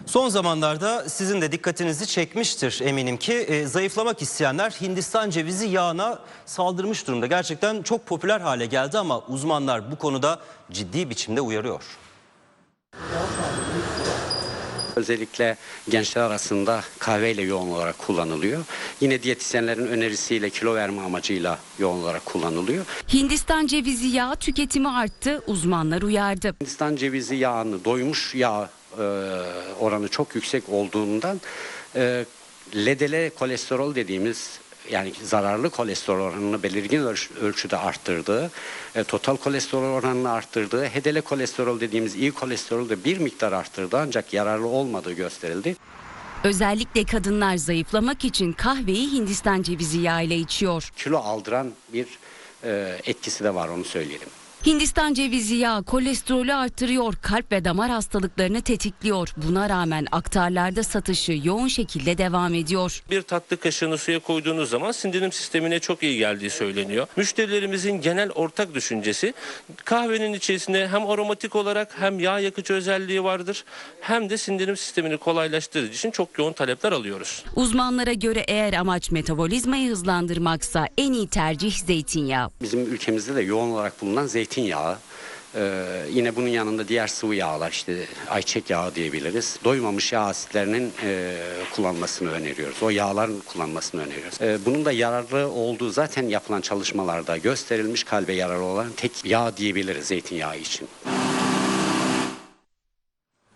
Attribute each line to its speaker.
Speaker 1: Son zamanlarda sizin de dikkatinizi çekmiştir eminim ki zayıflamak isteyenler Hindistan cevizi yağına saldırmış durumda. Gerçekten çok popüler hale geldi ama uzmanlar bu konuda ciddi biçimde uyarıyor.
Speaker 2: Özellikle gençler arasında kahveyle yoğun olarak kullanılıyor. Yine diyetisyenlerin önerisiyle kilo verme amacıyla yoğun olarak kullanılıyor.
Speaker 3: Hindistan cevizi yağı tüketimi arttı, uzmanlar uyardı.
Speaker 2: Hindistan cevizi yağını doymuş yağ oranı çok yüksek olduğundan LDL kolesterol dediğimiz yani zararlı kolesterol oranını belirgin ölçüde arttırdığı, total kolesterol oranını arttırdığı, HDL kolesterol dediğimiz iyi kolesterolü de bir miktar arttırdı ancak yararlı olmadığı gösterildi.
Speaker 3: Özellikle kadınlar zayıflamak için kahveyi Hindistan cevizi yağı ile içiyor.
Speaker 2: Kilo aldıran bir etkisi de var, onu söyleyelim.
Speaker 3: Hindistan cevizi yağı kolesterolü artırıyor, kalp ve damar hastalıklarını tetikliyor. Buna rağmen aktarlarda satışı yoğun şekilde devam ediyor.
Speaker 4: Bir tatlı kaşığını suya koyduğunuz zaman sindirim sistemine çok iyi geldiği söyleniyor. Müşterilerimizin genel ortak düşüncesi kahvenin içerisinde hem aromatik olarak hem yağ yakıcı özelliği vardır hem de sindirim sistemini kolaylaştırdığı için çok yoğun talepler alıyoruz.
Speaker 3: Uzmanlara göre eğer amaç metabolizmayı hızlandırmaksa en iyi tercih zeytinyağı.
Speaker 2: Bizim ülkemizde de yoğun olarak bulunan zeytinyağı, yine bunun yanında diğer sıvı yağlar, işte ayçiçek yağı diyebiliriz. Doymamış yağ asitlerinin kullanmasını öneriyoruz. O yağların kullanmasını öneriyoruz. Bunun da yararlı olduğu zaten yapılan çalışmalarda gösterilmiş, kalbe yararlı olan tek yağ diyebiliriz zeytinyağı için.